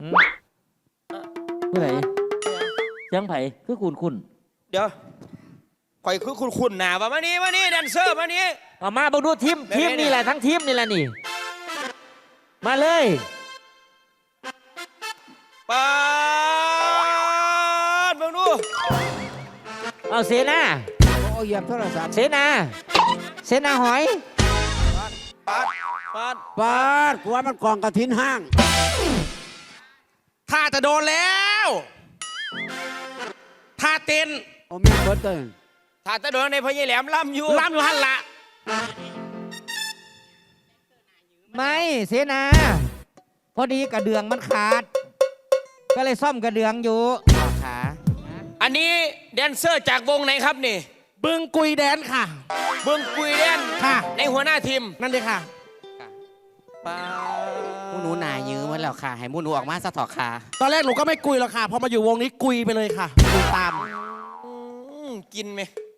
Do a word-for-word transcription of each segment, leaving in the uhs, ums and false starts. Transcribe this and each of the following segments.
ผู้ใดเสียงไผ่คือคุณคุณเดี๋ยวข่อยคือคุณคุณหนาว่ามานี่มานี่แดนเซอร์มานี่เอามาบังดูทีมทีมนี่แหละทั้งทีมนี่แหละนี่มาเลยปาดบังดูเอาเสนาโอ้ยเหยียบโทรศัพท์เสนาเสนาหอยปาดปาดปาดกูว่ามันกองกระถินห้างท่าจะโดนแล้วท่าเต้นโอ้แม่เบิร์ตเต้นท่าจะโดนในพญาแหลมล่ำอยู่ล่ำอยู่หันละไม่เสนาพอดีกระเดืองมันขาดก็เลยซ่อมกระเดืองอยู่ขาอันนี้แดนเซอร์จากวงไหนครับนี่บึงกุยแดนค่ะบึงกุยแดนค่ะในหัวหน้าทีมนั่นเลยค่ะป้ามูหนูหนายื้อมันแล้วค่ะให้มูหนูออกมาสะถอกค่ะตอนแรกหนูก็ไม่กุยหรอกค่ะพอมาอยู่วงนี้กุยไปเลยค่ะกุยตามกินไหม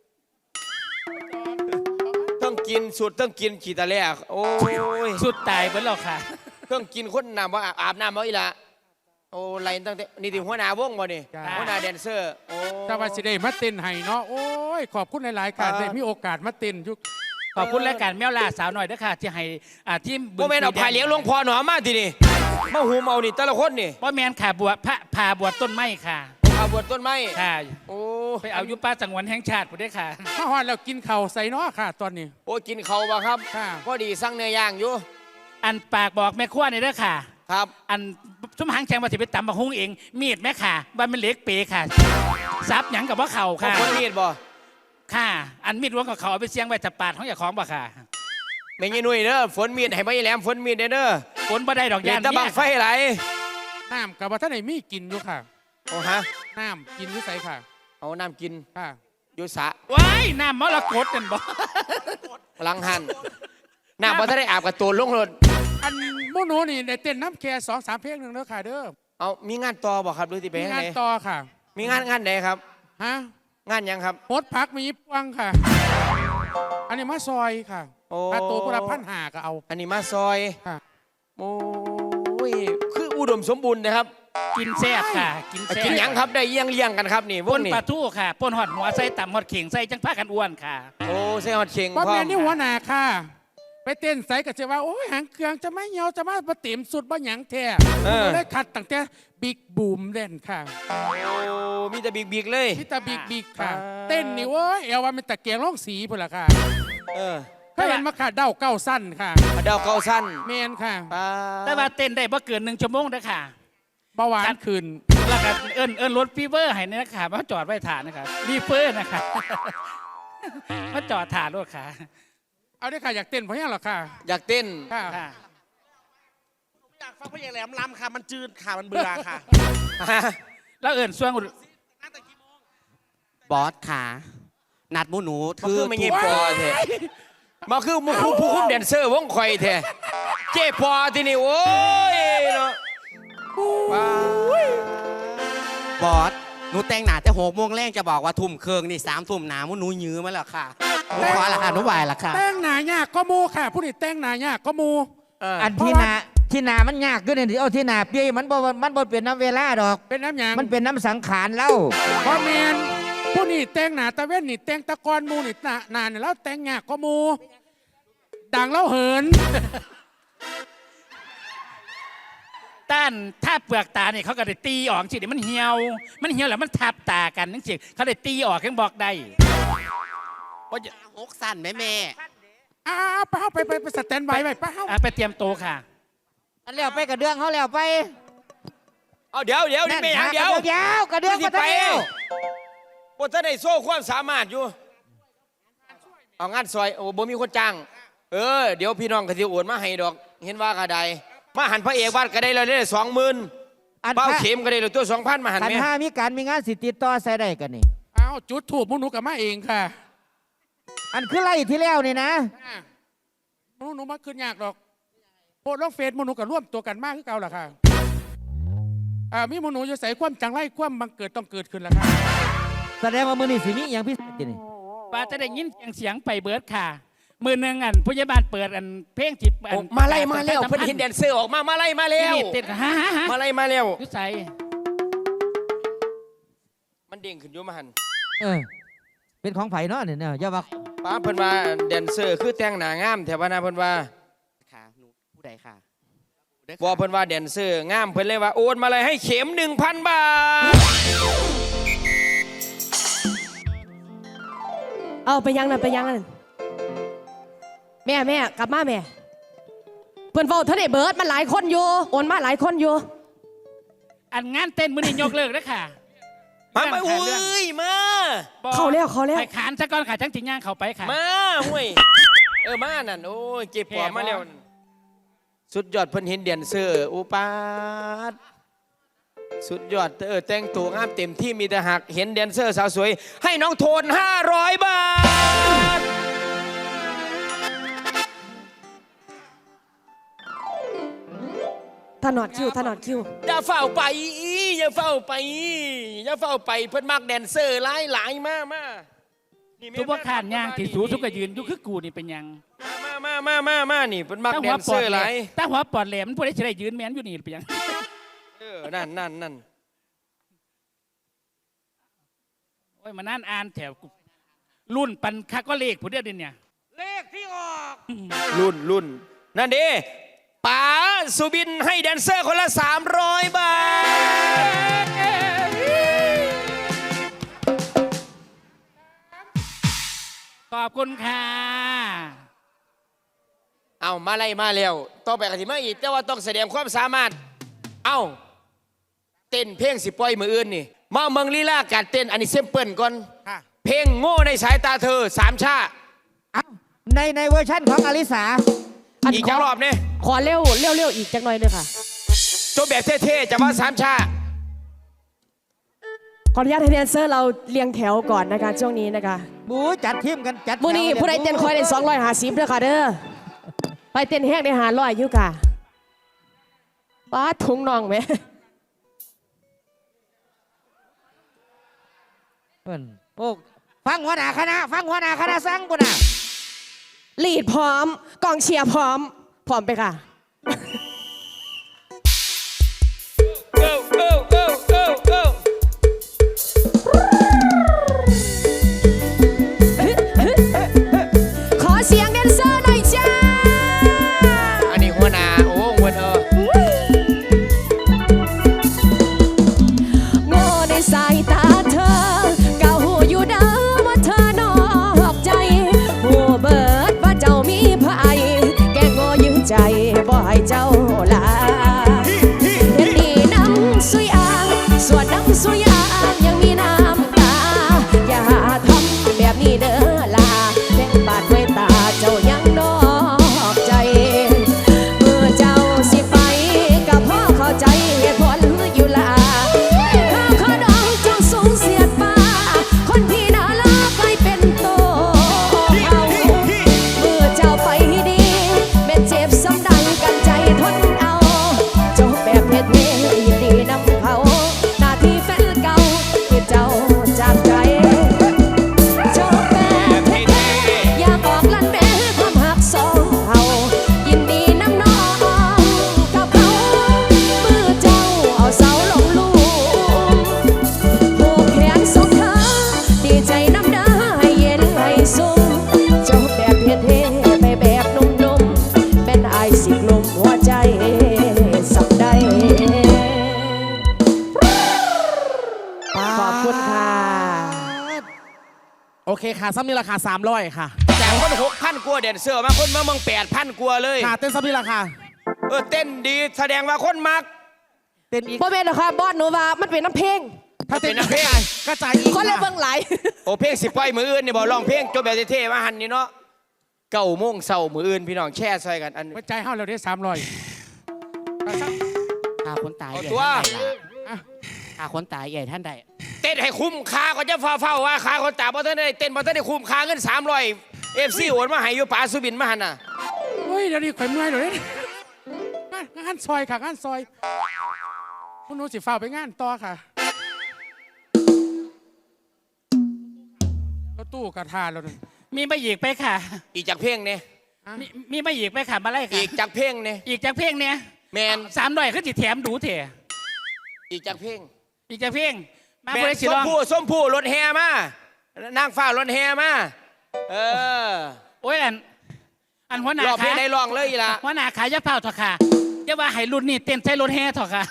ต้องกินสุดต้องกินขีตะแลกโอ้ยสุดตายเหมือนเราค่ะต้องกินคนน้ำว่าอาบน้ำมาอีละโอ้ไรตั้งแต่นี่ถึงหัวหน้าวงบ่นี่หัวหน้าแดนเซอร์โอ้แต่ว่าสิได้มาเต้นให้เนาะโอ้ยขอบคุณหลายๆการได้มีโอกาสมาเต้นยุคขอบคุณรายการแมวล่าสาวหน่อยด้วยค่ะที่ให้อ่าทีมบ่แม่นเอาพายเลี้ยงหลวงพ่อหนอมาทีนี่มาหูเมานี่แต่ละคนนี่บ่แม่นค่ะบวชพระพาบวชต้นไม้ค่ะพาบวชต้นไม้ค่ะโอ้ไปเอายุป้าสังวนแห่งชาติบ่ได้ค่ะถ้าฮอดแล้วกินเข่าใส่เนาะค่ะตอนนี้โอ้กินเข่าบ่ครับพอดีสั่งเนื้อย่างอยู่อันปากบอกแม่ครัวนี่เด้อค่ะครับอันชุ่มหางแฉงมาสิไปตำบักฮุ้งเองมีดแม่ค่ะบ้านมันเล็กเป๋ค่ะซับหยังกับว่าเข่าค่ะคนมีดบ่ค่ะอันมีดล้วงกับเขาเอาไปเสียงไว้จับปาดของอย่าของบ่ค่ะไม่งี้นุ่ยเด้อฝนมีดให้ไม่แหลมฝนมีดเด้อฝนบ่ได้ดอกยานตะบังไฟไหลน้ำกับว่าท่านไหนมีกินอยู่ค่ะโอ้ฮะน้ำกินอยู่ใส่ค่ะเอาน้ำกินค่ะอยู่สะว้ายน้ำมรกตกันบ่ลังหันน้ำบ่ท่านได้อาบกับตัวลงรถอันโมโนนี่ได้เต้นน้ำแค่สองสามเพลงหนึ่งเด้อค่ะเด้อเอามีงานต่อบ่ครับหรือที่ไปมีงานต่อค่ะมีงานงานไหนครับฮะงานยังครับโพสพักมีพวงค่ะอันนี้มาซอยค่ะค่าตัวพวกเราพันหาก็เอาอันนี้มาซอยค่ะโอ้ยคืออุดมสมบูรณ์นะครับกินแซ่บค่ะกินแซ่บกินยังครับได้เยี่ยงเลี้ยงกันครับนี่ปนปลาทูค่ะปนหอดหัวใส่ต่ำหอดเข่งใส่จังผ้ากันอ้วนค่ะโอ้ใส่หอดเข่งพ่อแม่นี่หัวหน้าค่ะไปเต้นใส่กับเจ้าว่าโอ้ยหางเครื่องจะไม่เหี่ยวจะมาปะเต็มสุดบ่หยังแท้ได้ขัดตั้งแต่บิ๊กบูมเล่นค่ะโอ้มีแต่บิ๊กบิ๊กเลยมีแต่บิ๊กบิ๊กค่ะเต้นนี่โอ้ยเอวว่ามันตะเกียงร้องสีพุ่นละค่ะเออถ้าเห็นมาขาดเดาเก้าสั้นค่ะเดาเก้าสั้นเมนค่ะแต่ว่าเต้นได้บ่เกินหนึ่งชั่วโมงนะค่ะเบาหวานคืนแล้วก็เอิญเอิญรถฟีเวอร์ให้นี่นะคะมาจอดไว้ฐานนะคะรีเฟอร์นะคะมาจอดฐานรถค่ะเอาได้ค่ะอยากเต้นเพราะยังหรอค่ะอยากเต้นค่ะอยากฟังเพลงแหลมลำค่ะมันจืดค่ะมันเบื่อค่ะแล้วเอิญส่วงบอสค่ะนัดมูหนูถือไม่เงี้ยปอเถอะมาคือมูผู้ผู้คุ้มแดนเซอร์วงคอยเถอะเจ๊ปอที่นี่โอ้ยเนาะบอสหนูแต่งหนาแต่หกโมงแรกจะบอกว่าทุ่มเคืองนี่สามทุ่มหนามูหนูยื้อมาแล้วค่ะหนูขอละค่ะหนูไหวละค่ะแต่งหนายากก็มูค่ะผู้นี้แต่งหนายากก็มูอันที่นาที่นามันยากขึ้นเลยเอาที่นาเปียมันบ่มันบ่เป็นน้ำเวลาดอกเป็นน้ำหยางมันเป็นน้ำสังขารเล่าเพราะแมนผู้นี้แต่งหนาตะเว้นนี่แต่งตะกอนมูนี่นานแล้วแต่งยากก็มูดังเล่าเหินต้านถ้าเปลือกตาเนี่ยเขาก็ได้ตีออกสิเดี๋ยวมันเหี่ยวมันเหี่ยวแล้วมันทับตากันนั่นสิเขาได้ตีออกยังบอกได้ว่าจะหกสั้นแม่แม่อ้าไปเข้าไปไปไปสแตนบายไปไปเข้าไปเตรียมโตค่ะอันเลี้ยวไปกระเดื่องเขาเลี้ยวไปเอาเดี๋ยวเดี๋ยวนี่ไม่ยังเดี๋ยวเดี๋ยวกระเดื่องมาไปพวกท่านได้โซ่ความสามารถอยู่เอางานซอยโอ้บ่มีคนจ้างเออเดี๋ยวพี่น้องกระติโอนมาให้ดอกเห็นว่ากระไดมาหันพระเอกวัดก็ได้เลยได้สองหมื่นเป้าเข็มก็ได้เลยตัวสองพันมาหันไหมถ้ามีการมีงานสิติดต่อใส่ได้กันนี่อ้าวจุดถูกมุนุกับมาเองค่ะอันคือไล่ที่แล้วนี่นะมุนุมาขึ้นยากหรอกโพสต์ลงเฟซมุนุกับร่วมตัวกันมากขึ้นเก่าหรอค่ะอ่ามีมุนุจะใส่ความจังไรความบังเกิดต้องเกิดขึ้นแล้วค่ะแสดงว่ามือนี่สิมีอย่างพิเศษนี่ป้าจะได้ยินเสียงไปเบิร์ดค่ะมือหนึ่งอันผู้ใหญ่บ้านเปิดอันเพลงจิบอันโอ้มาไล่มาแล้วประเพิ่นชาสัมพัธ์เห็นแดนเซอร์ออกมามาไล่มาแล้วนี่ติดฮะฮะฮะมาไล่มาแล้วยุใส่มันเด้งขึ้นอยู่มาหันเออเป็นของไผ่เนาะเนี่ยเนี่ยอย่าว่าป้าเพิ่นว่าแดนเซอร์คือแต่งหน้างามแถวนะเพิ่นว่าค่ะหนูผู้ใดค่ะบอกเพิ่นว่าแดนเซอร์งามเพิ่นเลยว่าโอนมาเลยให้เข็มหนึ่งพันบาทเอาไปยังนั่นไปยังนั่นแม่แม่กลับมาแม่เพื่อนเฝ้าเท่าไดเบิร์ดมันหลายคนอยู่โอนมาหลายคนอยู่อันงานเต้นมือนี่ยกเลิกแล้วค่ะมามาเรื่อุ้งยมาบอกเขาแล้วเขาแล้วไปขานซะก่อนค่ะจังจิงย่างเขาไปค่ะมาห่วยเออมานั่นโอ้ยเก็บปอมาแล้วสุดยอดเพิ่นเห็นแดนเซอร์อุปาทสุดยอดเออแต่งตัวงามเต็มที่มีแต่หักเห็นแดนเซอร์สาวสวย ให้น้องโทนห้าร้อยบาทถนอดคิวถนอดคิวอย่าเฝ้าไปอย่าเฝ้าไปอย่าเฝ้าไปเพิ่นมักแดนเซอร์หลายหลายมากมานี่แม่ทุกว่าขานย่างที่สูสุกกยืนอยู่คือกูนี่เป็นหยังมามามามามานี่เพิ่นมักถ้าแดหัวนเซปออดร์แหหลลาม ยถ้าหัวปอดแหลมผู้ใดจะได้ยืนแมนอยู่นี่เป็นหยังเออนั่นนั่นนั่นโอ้ยมานั่นอ่านแถวกูรุ่นปันคักก็เลขผู้เดียวเดินเนี่ยเลขที่ออกรุ่นรุ่นนั่นดิป๋าสุบินให้แดนเซอร์คนละสามร้อยบาทขอบคุณค่ะเอามาไล่มาแล้วต่อไปกันที่มาอีกแต่ว่าต้องแสดงความสามารถ เอาเต้นเพลงสิปล่อยมืออื่นนี่มาเมืองลีลาการเต้นอันนี้เซมเปิลก่อนค่ะเพลงโง่ในสายตาเธอสามชาเอ้าในในเวอร์ชั่นของอลิสาอันอีกขจัองรอบเนี่ยขอเร็วเร็วเร็วอีกจังหน่อยเลยค่ะจบแบบเท่ๆจะว่าสามชาขออนุญาตให้แดนเซอร์เราเรียงแถวก่อนนะคะช่วงนี้นะคะบูจัดทีมกันจัดมื้อนี้แถวผู้ใดเต้นคอยได้สองร้อยห้าสิบเด้อค่ะเด้อไปเต้นแห้งได้หาร้อยอยู่ค่ะป้าถุงน่องไหมเพิ่นโอ้ฟังหัวหน้าคณะฟังหัวหน้าคณะสั่งปุ่นน่ะลีดพร้อมกองเชียร์พร้อมพร้อมไปค่ะเอ้าเอ้าเอ้าเอ้าเอ้าขอเสียงแดนเซอร์หน่อยจ้าอันนี้หัวหน้าโอ้หัวเออโง่ในสายตาเธอเก่าหูอยู่เด้อว่าเธอนอกใจหูเบิดว่าเจ้ามีภัยแกโง่ยื้อใจบ่ให้เจ้าลาเห็นดีน้ำสุยอ่างส่วนน้ำสุยอ่างยังมีน้ำตา อย่าทำแบบนี้เด้อลาแบ่งบาดไว้ตาเจ้ายังนอกใจเมื่อเจ้าสิไปกับพ่อเข้าใจเหตุผลอยู่ลา ข้าวขาดองจงสูงเสียดฟ้าคนที่น่ารักกลายเป็นโตเอาเมื่อเจ้าไปดีแม่เจ็บซ้ำดังกันใจทนเอาจบแบบเท่ๆยินดีนำเขาหน้าที่แฟนเก่าที่เจ้าจากใจจบแบบเท่ๆอยากบอกลั่นแม่ความหักสองเฮายินดีนำน้องกับเขาเมื่อเจ้าเอาเสาลงลูก ผูกแขนส่งเธอดีใจน้ำดาให้เย็นให้สุ่มจบแบบเท่ๆไปแบบนุ่มๆเป็นไอายสิกลมหัวใจสับได้ขอบคุณค่ะโอเคค่ะซ้ำนี่ราคาสามร้อยค่ะจากคนหกพันกว่าแดนเซอร์มาคนมาเมืองแปดพันกว่าเลยค่ะเต้นซ้ำนี่ราคาเออเต้นดีแสดงว่าคนมักเต้นอีกบ่เป็นหรอกค่ะบอสหนูว่ามันเป็นน้ำเพลงถ้าเต้นเป็นนักเพลงกระจายอีกคนละค่ะเบิ่งหลายโอ้เพลงสิปล่อยมืออื่นนี่บอกร้องเพลงจบแบบเท่ๆมาหันนี่เนาะเก้าโมงเศร้ามืออื่นพี่น้องแช่ซอยกันอันไว้ใจเฮาเราได้สามร้อยค่าคนตายเอาใหญ่ตัวท่านใดล่ะค่าคนตายใหญ่ท่านใดเต้นให้คุ้มค่าก็จะฟ้าเฝ้าว่าค่าคนตาเพราะท่านได้เต้นเพราะท่านได้คุ้มค่าเงินสามร้อยเอฟซีโอนมาให้อยู่ป๋าสุบินมาหันน่ะเฮ้ยเดี๋ยวนี้ข่อยเมื่อยเดี๋ยวนี้งานงานซอยค่ะงานซอยพวกหนูสิฝ้ากไปงานต่อค่ะรถตู้กระทาแล้วนั่นมีไม่อีกไปค่ะอีกจากเพลงเนี่ยมีมีไม่อีกไปค่ะมาไล่ค่ะอีกจากเพลงเนี่ยอีกจากเพลงเนี่ยแมนสามร้อยคือจิแถมดูเถอะอีกจากเพลงอีกจากเพลงมาแมเพื่นอสิส้ร้มองผู้ส้มผู้รถแห่มานางฟ้ารถแห่มาเออโอ้ยอันอันหัวหน้ารอบเพลขางได้ลองเลยอีละหัวหน้าขายยาเผาเถอะค่ะอย่าว่าให้รุ่นนี้เต้นใช้รถแห่เถอะค่ะ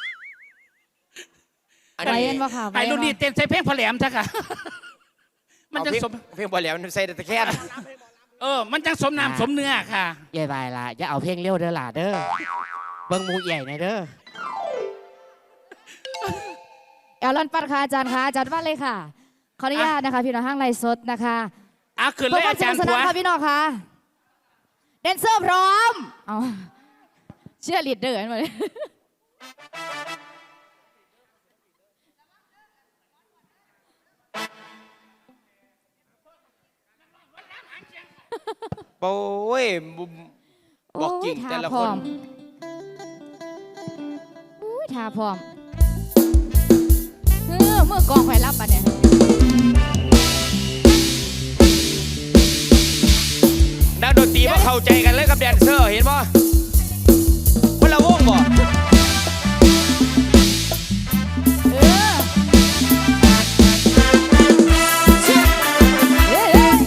อันไปนี้เย็นบ่ค่ะให้รุ่นนี้เต้นใช้เพลงพอแหลมเถอะค่ะ มันเอาจังเพลงสมเพลงบอลแหลมใส่ตะแคงเออมันจังสมน้ำสมเนื้อค่ะยายบายละอย่าเอาเพลงเร็วเด้อล่ะเด้อเบิ่งหมูใหญ่หน่อยเด้อเอลลอนปัดค่ะอาจารย์ค่ะอาจารย์ว่าเลยค่ะขออนุญาตนะคะพี่น้องห้างไรสดนะคะเอาขึ้นเพื่เลอย ความอาสจานุรกย์สผันานวค่ะพี่น้องค่ะแดนเซอร์พร้อมเอาเชื่อลีดเดอร์กันหมดเลยโอ้ยบอกจริงโยแต่ละท่าพคร้อน มอุ้ยท่าพร้อมเออเมื่อกองไฟรับปะเนี่ยนักดนตรีมาเข้าใจกันเลยกับแดนเซอร์เห็นป่ะคนละวงบ่เออเชี่ยเฮ้ยเฮ้ย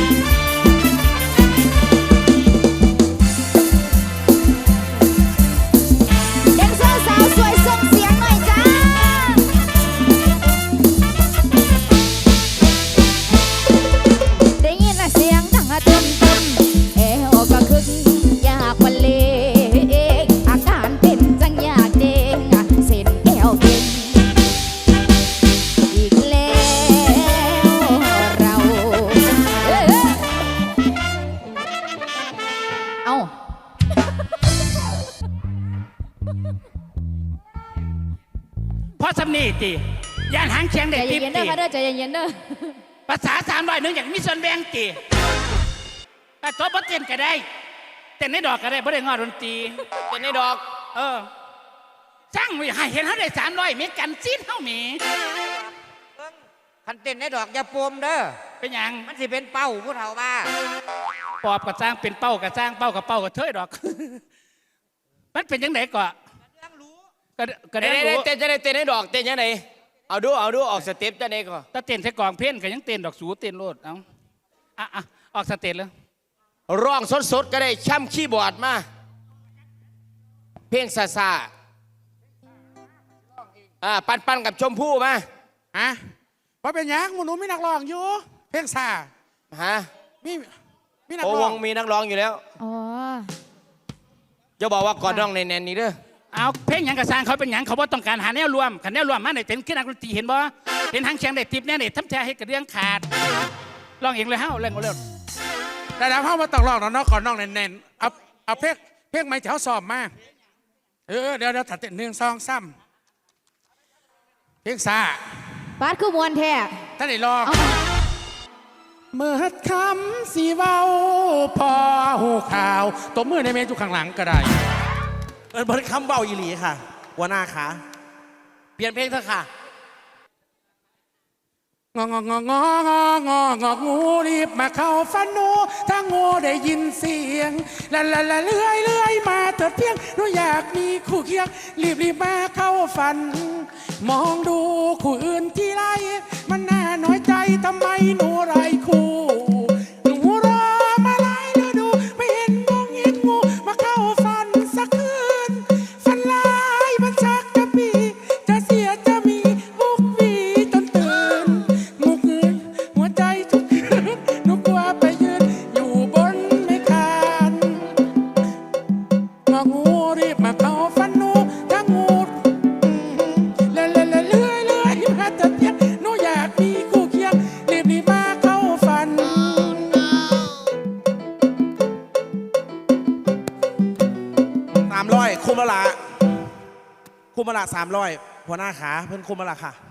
แดนเซอร์สาวสวยส่งเสียงหน่อยจ้า ได้ยินเสียงดังตึมตึมเอวก็คึกอยากวันเลงอาการเป็นจังอยากเด้งเส้นแก้วเก่งอีกแล้วเราเอ้ยเอาเพราะสำนีติย่านหางเชียงใจได้ติเย็นๆเด้ติอค่ะเด้อใจเย็นๆเด้อภาษาสามร้อยหนึ่งอย่างมีส่วนแบ่งติแต่ตัวบ่เต้นก็ได้เต้นในดอกก็ได้บ่ได้งอดนตรีเป็นในดอกเออช่างไว้ให้เห็นเขาได้สามร้อยเมกันซีนเท่าหมีคันเต้นในดอกอย่าปมเด้อเป็นหยังมันสิเป็นเป้าผู้เฒ่าบ้าปอบกับจ้างเป็นเป้ากับจ้างเป้ากับเป้ากับเทยดอก มันเป็นยังไงก่อนก็ก็เต้ได้นรู้เต้นจะได้เต้นในดอกเต้นยังไงเอาดูเอาดูออกสเต็ปจะไหนก่อนถ้าเต้นใส่กองเพ่นก็ยังเต้นดอกสูเต้นโลดเอาอ่ะอ่ะออกสเต้นเลยร้องสดๆก็ได้ช่ำคีย์บอร์ดมาเพลงซาซาอ่าปันปันกับชมพู่มาฮะเพราะเป็นหยังหมูหนูมีนักร้องอยู่ เพลงซาฮะมีมีนักโอร้วองงมีนักร้องอยู่แล้วอ๋อจะบอกว่ากอดน้องในแนนนี่เด้อเอาเพลงหยังกระสร้างเขาเป็นหยังเขาบ่ต้องการหาแนวรวมขันแนวรวมมาในเต้นขึ้นนักดนตรีเห็นบ่เห็นหางเชียงได้ติบแน่เด็ดทำใจให้กระเรื่องขาดลองเองเลยเฮ้าเล่นก็เล่นแต่แล้วพ่อมาต้องร้องเนาะขอน้องแน่นๆเอาเอาเพลงเพลงไม่แถวสอบมาเออเดี๋ยวเดี๋ยวถัดเต้นหนึ่งสองสามเพลงซาบาสคือมวนแท้ท่านไหนลองเอาเมื่อคำสีเว้าพอหูข่าวตบมือในเมจุข้างหลังก็ได้เอินเบิร์ดคำเบาอีหลีค่ะหัวหน้าขาเปลี่ยนเพลงเถอะค่ะงองงองงองงององูรีบมาเข้าฟันหนูถ้างูได้ยินเสียงละละละเลื่อยเลื่อยมาเถิดเพียงหนูอยากมีคู่เคียงรีบรีบมาเข้าฝัน มองดูคู่อื่นที่ไรมันน่าน้อยใจทำไมหนูไรคู่หนูรอมาหลายฤดูไม่เห็นมองเห็นงูมาเข้าฝันสักคืนฝันลายมันชักจะปีจะเสียจะมีมุกมีจนตื่นมุกเงินหัวใจทุกคืนหนูกลัวไปยืนอยู่บนไม่คานงองูรีบมาเข้าฝันหนูถ้างูเลื่อยเลื่อยเลื่อยเลื่อยมาเถิดเพียงหนูอยากมีคู่เคียงรีบรีบมาเข้าฝันสามร้อยคุมละละคุมละละสามร้อยหัวหน้าขาเพิ่นคุมละละค่ะ